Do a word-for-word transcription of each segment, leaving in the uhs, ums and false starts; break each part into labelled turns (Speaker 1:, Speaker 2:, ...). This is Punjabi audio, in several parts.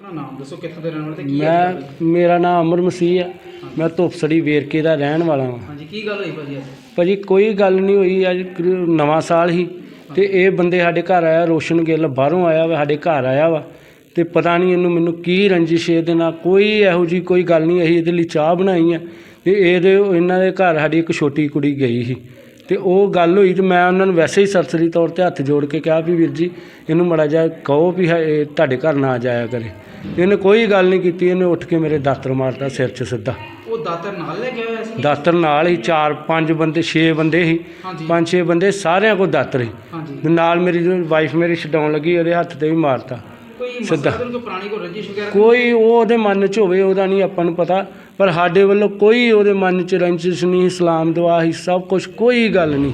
Speaker 1: अपना नाम दसो, कित्थों दे रहने वाले ते की
Speaker 2: मैं मेरा नाम अमर मसीह है। मैं धुपसड़ी वेरके का रहन वाला हाँ।
Speaker 1: हाँ जी, की गल हुई भाजी?
Speaker 2: भाजी कोई गल नहीं हुई, अज नवां साल ही ते ये बंदे साडे घर आया, रोशन गिल बाहरों आया वा, साडे घर आया वा ते पता नहीं इन्हू मैनू की रंजिश इहदे नाल, कोई इहो जी कोई गल नहीं। असीं इहदे लई चाह बनाई है ते इहदे इन्हां दे घर साडी एक छोटी कुड़ी गई ही ते ओह गल होई ते मैं उन्हां नूं वैसे ही सरसरी तौर ते हत्थ जोड़ के कहा भी वीर जी इहनूं माड़ा जिहा कहो भी तुहाडे घर ना जाया करे। इहने कोई गल नहीं कीती, इहने उठ के मेरे दातर मारता सिर च सीधा।
Speaker 1: वो दातर नाल ले गया होया सी?
Speaker 2: दातर नाल ही, चार पंज बंदे छे बंदे ही, पंज छे बंदे सारिਆਂ ਕੋਲ दातर ही।
Speaker 1: हाँ जी।
Speaker 2: नाल मेरी जो वाइफ मेरी छडाउण लगी ਉਹਦੇ ਹੱਥ ਤੇ ਵੀ ਮਾਰਤਾ ਸਿੱਧਾ।
Speaker 1: कोई पुरानी कोई रंजिश वगैरह?
Speaker 2: ਕੋਈ ਉਹ ਉਹਦੇ ਮਨ 'ਚ ਹੋਵੇ ਉਹਦਾ ਨਹੀਂ ਆਪਾਂ ਨੂੰ ਪਤਾ, ਪਰ ਸਾਡੇ ਵੱਲੋਂ ਕੋਈ ਉਹਦੇ ਮਨ 'ਚ ਰੰਜਿਸ਼ ਨਹੀਂ, ਇਸਲਾਮ ਦੁਆ ਹੀ ਸਭ ਕੁਛ, ਕੋਈ ਗੱਲ ਨਹੀਂ।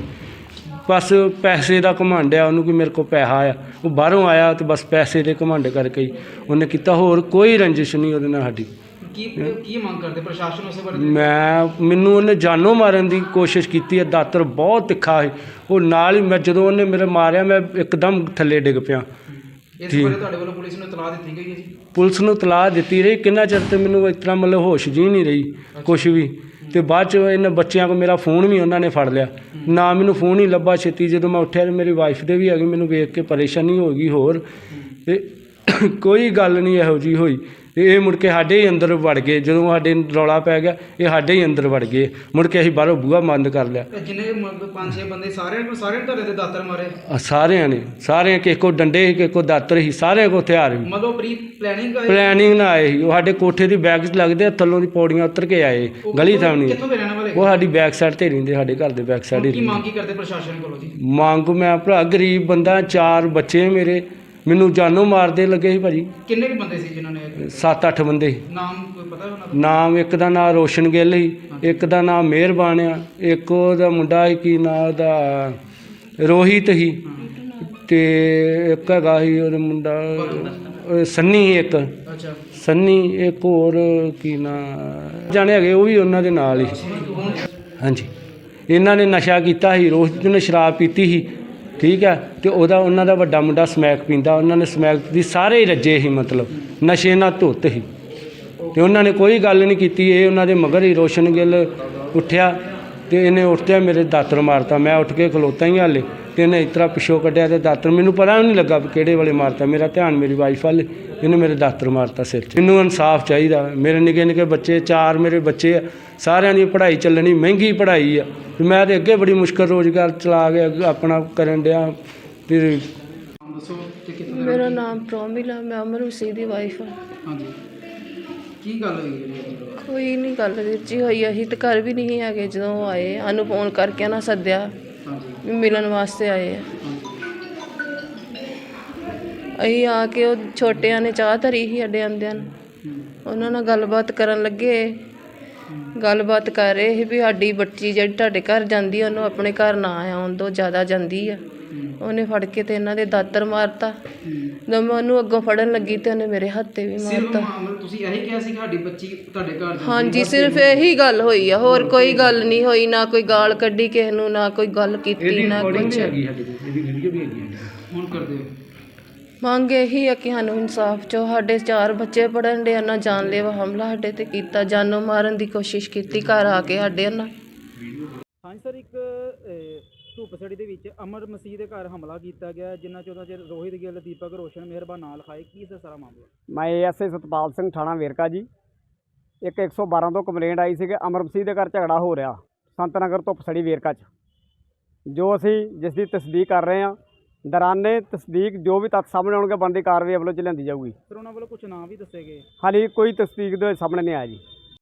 Speaker 2: ਬਸ ਪੈਸੇ ਦਾ ਘਮੰਡ ਆ ਉਹਨੂੰ ਕਿ ਮੇਰੇ ਕੋਲ ਪੈਸਾ ਆ, ਉਹ ਬਾਹਰੋਂ ਆਇਆ ਤੇ ਬਸ ਪੈਸੇ ਦੇ ਘਮੰਡ ਕਰਕੇ ਹੀ ਉਹਨੇ ਕੀਤਾ, ਹੋਰ ਕੋਈ ਰੰਜਿਸ਼ ਨਹੀਂ ਉਹਦੇ ਨਾਲ ਸਾਡੀ।
Speaker 1: ਕੀ ਕੀ ਮੰਗ ਕਰਦੇ ਪ੍ਰਸ਼ਾਸਨ ਉਸੇ ਬਾਰੇ?
Speaker 2: ਮੈਂ ਮੈਨੂੰ ਉਹਨੇ ਜਾਨੋਂ ਮਾਰਨ ਦੀ ਕੋਸ਼ਿਸ਼ ਕੀਤੀ ਹੈ, ਦਾਤਰ ਬਹੁਤ ਤਿੱਖਾ ਸੀ ਉਹ ਨਾਲ ਹੀ। ਮੈਂ ਜਦੋਂ ਉਹਨੇ ਮੇਰੇ ਮਾਰਿਆ ਮੈਂ ਇੱਕਦਮ ਥੱਲੇ ਡਿੱਗ ਪਿਆ।
Speaker 1: ਇਸ ਬਾਰੇ ਤੁਹਾਡੇ ਵੱਲੋਂ ਪੁਲਿਸ ਨੂੰ ਇਤਲਾਹ ਦਿੱਤੀ ਗਈ ਹੈ ਜੀ? ਪੁਲਿਸ
Speaker 2: ਨੂੰ ਇਤਲਾਹ ਦਿੱਤੀ ਰਹੀ, ਕਿੰਨਾ ਚਿਰ ਤੇ ਮੈਨੂੰ ਇਸ ਤਰ੍ਹਾਂ ਮਤਲਬ ਹੋਸ਼ ਜੀ ਨਹੀਂ ਰਹੀ ਕੁਛ ਵੀ। ਤੇ ਬਾਅਦ 'ਚ ਇਹਨਾਂ ਬੱਚਿਆਂ ਕੋਲ ਮੇਰਾ ਫੋਨ ਵੀ ਉਹਨਾਂ ਨੇ ਫੜ ਲਿਆ, ਨਾ ਮੈਨੂੰ ਫੋਨ ਹੀ ਲੱਭਾ ਛੇਤੀ। ਜਦੋਂ ਮੈਂ ਉੱਠਿਆ ਤੇ ਮੇਰੀ ਵਾਈਫ ਦੇ ਵੀ ਆ ਗਈ, ਮੈਨੂੰ ਵੇਖ ਕੇ ਪਰੇਸ਼ਾਨੀ ਹੋ ਗਈ ਹੋਰ। ਤੇ ਕੋਈ ਗੱਲ ਨਹੀਂ ਇਹੋ ਜਿਹੀ ਹੋਈ ਤੇ ਇਹ ਮੁੜ ਕੇ ਸਾਡੇ ਹੀ ਅੰਦਰ ਵੜ ਗਏ। ਜਦੋਂ ਸਾਡੇ ਰੌਲਾ ਪੈ ਗਿਆ ਇਹ ਸਾਡੇ ਹੀ ਅੰਦਰ ਵੜ ਗਏ, ਮੁੜ ਕੇ ਅਸੀਂ ਬਾਹਰੋਂ ਬੂਹਾ ਬੰਦ ਕਰ ਲਿਆ।
Speaker 1: ਜਿੰਨੇ ਪੰਜ ਛੇ ਬੰਦੇ ਸਾਰਿਆਂ ਨੂੰ ਸਾਰਿਆਂ ਨੇ ਤੁਹਾਡੇ ਤੇ ਦਾਤਰ ਮਾਰੇ?
Speaker 2: ਸਾਰਿਆਂ ਨੇ, ਸਾਰਿਆਂ ਕਿਸੇ ਕੋਲ ਡੰਡੇ ਸੀ, ਕਿਸੇ ਕੋਲ ਦਾਤਰ ਸੀ, ਸਾਰਿਆਂ ਕੋਲ ਹਥਿਆਰ ਸੀ।
Speaker 1: ਮਤਲਬ ਪ੍ਰੀ ਪਲੈਨਿੰਗ
Speaker 2: ਪਲੈਨਿੰਗ ਨਾਲ ਆਏ ਸੀ ਉਹ। ਸਾਡੇ ਕੋਠੇ ਦੀ ਬੈਕ 'ਚ ਲੱਗਦੇ, ਥੱਲੋਂ ਦੀ ਪੌੜੀਆਂ ਉਤਰ ਕੇ ਆਏ ਗਲੀ ਸਾਹਮਣੇ।
Speaker 1: ਕਿੱਥੋਂ ਦੇ ਰਹਿਣ ਵਾਲੇ? ਉਹ
Speaker 2: ਸਾਡੀ ਬੈਕ ਸਾਈਡ ਤੇ ਰਹਿੰਦੇ, ਸਾਡੇ ਘਰ ਦੇ ਬੈਕ ਸਾਈਡ ਹੀ।
Speaker 1: ਕੀ ਮੰਗ ਕੀ ਕਰਦੇ ਪ੍ਰਸ਼ਾਸਨ ਕੋਲੋਂ ਜੀ?
Speaker 2: ਮੰਗ ਮੈਂ ਭਰਾ ਗਰੀਬ ਬੰਦਾ, ਚਾਰ ਬੱਚੇ ਮੇਰੇ, ਮੈਨੂੰ ਜਾਨੋਂ ਮਾਰਦੇ ਲੱਗੇ ਸੀ ਭਾਜੀ।
Speaker 1: ਕਿੰਨੇ ਕੁ ਬੰਦੇ ਸੀ ਜਿਨ੍ਹਾਂ ਨੇ?
Speaker 2: ਸੱਤ ਅੱਠ ਬੰਦੇ।
Speaker 1: ਨਾਮ ਕੋਈ ਪਤਾ ਉਹਨਾਂ ਦਾ?
Speaker 2: ਨਾਮ ਇੱਕ ਦਾ ਨਾਂ ਰੋਸ਼ਨ ਗਿੱਲ ਸੀ, ਇੱਕ ਦਾ ਨਾਂ ਮਿਹਰਬਾਨ ਆ, ਇੱਕ ਉਹਦਾ ਮੁੰਡਾ ਸੀ ਕੀ ਨਾਂ ਉਹਦਾ ਰੋਹਿਤ ਸੀ, ਤੇ ਇੱਕ ਹੈਗਾ ਸੀ ਉਹਦਾ ਮੁੰਡਾ ਸੰਨੀ ਸੀ ਇੱਕ।
Speaker 1: ਅੱਛਾ।
Speaker 2: ਸੰਨੀ ਇੱਕ ਹੋਰ ਕੀ ਨਾਂ ਜਾਣੇ ਹੈਗੇ, ਉਹ ਵੀ ਉਹਨਾਂ ਦੇ ਨਾਲ ਹੀ। ਹਾਂਜੀ, ਇਹਨਾਂ ਨੇ ਨਸ਼ਾ ਕੀਤਾ ਸੀ, ਰੋਹਿਤ ਨੇ ਸ਼ਰਾਬ ਪੀਤੀ ਸੀ, ਠੀਕ ਹੈ। ਤੇ ਉਹਦਾ ਉਹਨਾਂ ਦਾ ਵੱਡਾ ਮੁੰਡਾ ਸਮੈਕ ਪੀਂਦਾ, ਉਹਨਾਂ ਨੇ ਸਮੈਕ ਦੀ ਸਾਰੇ ਹੀ ਰੱਜੇ ਸੀ, ਮਤਲਬ ਨਸ਼ੇ ਨਾਲ ਧੁੱਤ ਸੀ। ਤੇ ਉਹਨਾਂ ਨੇ ਕੋਈ ਗੱਲ ਨਹੀਂ ਕੀਤੀ, ਇਹ ਉਹਨਾਂ ਦੇ ਮਗਰ ਹੀ। ਰੋਸ਼ਨ ਗਿੱਲ ਉੱਠਿਆ ਤੇ ਇਹਨੇ ਉੱਠਦਿਆਂ ਮੇਰੇ ਦਾਤਰ ਮਾਰਤਾ। ਮੈਂ ਉੱਠ ਕੇ ਖਲੋਤਾ ਹੀ ਹਾਲੇ, ਤੇ ਇਹਨੇ ਇਸ ਤਰ੍ਹਾਂ ਪਿੱਛੋਂ ਕੱਢਿਆ ਤੇ ਦਾਤਰ ਮੈਨੂੰ ਪਤਾ ਨਹੀਂ ਲੱਗਾ ਵੀ ਕਿਹੜੇ ਵੇਲੇ ਮਾਰਤਾ। ਮੇਰਾ ਧਿਆਨ ਮੇਰੀ ਵਾਈਫ ਵੱਲ, ਇਹਨੇ ਮੇਰੇ ਦਾਤਰ ਮਾਰਤਾ ਸਿਰ 'ਚ। ਮੈਨੂੰ ਇਨਸਾਫ ਚਾਹੀਦਾ। ਮੇਰੇ ਨਿੱਕੇ ਨਿੱਕੇ ਬੱਚੇ, ਚਾਰ ਮੇਰੇ ਬੱਚੇ ਆ, ਸਾਰਿਆਂ ਦੀ ਪੜ੍ਹਾਈ ਚੱਲਣੀ, ਮਹਿੰਗੀ ਪੜ੍ਹਾਈ ਆ। ਮੈਂ ਤਾਂ ਅੱਗੇ ਬੜੀ ਮੁਸ਼ਕਲ ਰੋਜ਼ਗਾਰ ਚਲਾ ਕੇ ਆਪਣਾ ਕਰਨ ਡਿਆ। ਫਿਰ
Speaker 3: ਮੇਰਾ ਨਾਮ ਪ੍ਰੋਮਿਲ ਆ, ਮੈਂ ਅਮਰ ਮਸੀਹ ਦੀ ਵਾਈਫ ਆ।
Speaker 1: ਹਾਂਜੀ, ਕੀ ਗੱਲ ਹੋਈ ਹੈ?
Speaker 3: ਕੋਈ ਨਹੀਂ ਗੱਲ ਵੀਰ ਜੀ ਹੋਈ, ਅਸੀਂ ਤਾਂ ਘਰ ਵੀ ਨਹੀਂ ਹੈਗੇ ਜਦੋਂ ਉਹ ਆਏ। ਸਾਨੂੰ ਫੋਨ ਕਰਕੇ ਨਾ ਸੱਦਿਆ ਵੀ ਮਿਲਣ ਵਾਸਤੇ ਆਏ ਆ। ਅਸੀਂ ਆ ਕੇ ਉਹ ਛੋਟਿਆਂ ਨੇ ਚਾਹ ਧਰੀ ਸੀ ਸਾਡੇ ਆਉਂਦਿਆਂ ਨੂੰ, ਉਹਨਾਂ ਨਾਲ ਗੱਲਬਾਤ ਕਰਨ ਲੱਗੇ। ਗੱਲਬਾਤ ਕਰ ਰਹੇ ਸੀ ਵੀ ਸਾਡੀ ਬੱਚੀ ਜਿਹੜੀ ਤੁਹਾਡੇ ਘਰ ਜਾਂਦੀ ਉਹਨੂੰ ਆਪਣੇ ਘਰ ਨਾ ਆਉਣ ਦਿਓ, ਜ਼ਿਆਦਾ ਜਾਂਦੀ ਆ। ਉਹਨੇ ਫੜ ਕੇ ਤੇ ਇਹਨਾਂ ਦੇ ਦਾਤਰ ਮਾਰਤਾ। ਜਦੋਂ ਮੈਂ ਉਹਨੂੰ ਅੱਗੋਂ ਫੜਨ ਲੱਗੀ ਤੇ ਉਹਨੇ ਮੇਰੇ ਹੱਥ 'ਤੇ ਵੀ ਮਾਰਤਾ।
Speaker 1: ਤੁਸੀਂ ਇਹੀ ਕਿਹਾ ਸੀ ਸਾਡੀ ਬੱਚੀ ਤੁਹਾਡੇ ਘਰ ਜਾਂਦੀ?
Speaker 3: ਹਾਂਜੀ, ਸਿਰਫ ਇਹੀ ਗੱਲ ਹੋਈ ਆ, ਹੋਰ ਕੋਈ ਗੱਲ ਨਹੀਂ ਹੋਈ। ਨਾ ਕੋਈ ਗਾਲ ਕੱਢੀ ਕਿਸੇ ਨੂੰ, ਨਾ ਕੋਈ ਗੱਲ ਕੀਤੀ, ਨਾ ਕੁਛ।
Speaker 1: ਹੁਣ ਕਰਦੇ
Speaker 3: ਮੰਗ ਇਹੀ ਆ ਕਿ ਸਾਨੂੰ ਇਨਸਾਫ ਚੋ। ਸਾਡੇ ਚਾਰ ਬੱਚੇ ਪੜ੍ਹਨ ਦੇ, ਨਾ ਜਾਨਲੇਵਾ ਹਮਲਾ ਸਾਡੇ ਤੇ ਕੀਤਾ, ਜਾਨੋਂ ਮਾਰਨ ਦੀ ਕੋਸ਼ਿਸ਼ ਕੀਤੀ ਘਰ ਆ ਕੇ ਸਾਡੇ ਨਾਲ।
Speaker 1: ਹਾਂਜੀ ਸਰ, ਇੱਕ ਧੁੱਪਸੜੀ ਦੇ ਵਿੱਚ ਅਮਰ ਮਸੀਹ ਦੇ ਘਰ ਹਮਲਾ ਕੀਤਾ ਗਿਆ, ਜਿਨ੍ਹਾਂ ਚੋਂ ਚ ਰੋਹਿਤ ਗਿੱਲ, ਦੀਪਕ ਰੋਸ਼ਨ, ਮਿਹਰਬਾਨ ਨਾਂ ਲਿਖਾਏ। ਕੀ ਸਰ ਸਾਰਾ ਮਾਮਲਾ?
Speaker 4: ਮੈਂ A S I Satpal Singh, ਥਾਣਾ ਵੇਰਕਾ ਜੀ। ਇੱਕ ਇੱਕ ਸੌ ਬਾਰਾਂ ਤੋਂ ਕੰਪਲੇਂਟ ਆਈ ਸੀ ਕਿ ਅਮਰ ਮਸੀਹ ਦੇ ਘਰ ਝਗੜਾ ਹੋ ਰਿਹਾ ਸੰਤ ਨਗਰ ਧੁੱਪਸੜੀ ਵੇਰਕਾ 'ਚ, ਜੋ ਅਸੀਂ ਜਿਸ ਦੀ ਤਸਦੀਕ ਕਰ ਰਹੇ ਹਾਂ। ਦੌਰਾਨੇ ਤਸਦੀਕ ਜੋ ਵੀ ਤੱਥ ਸਾਹਮਣੇ ਆਉਣਗੇ ਬਣਦੀ ਕਾਰਵਾਈ ਵੱਲੋਂ ਚ ਲਿਆਂਦੀ ਜਾਊਗੀ।
Speaker 1: ਸਰ ਉਹਨਾਂ ਵੱਲੋਂ ਕੁਝ ਨਾਂ ਵੀ ਦੱਸੇ ਗਏ?
Speaker 4: ਹਾਲੇ ਕੋਈ ਤਸਦੀਕ ਦੇ ਸਾਹਮਣੇ ਨਹੀਂ ਆਇਆ ਜੀ।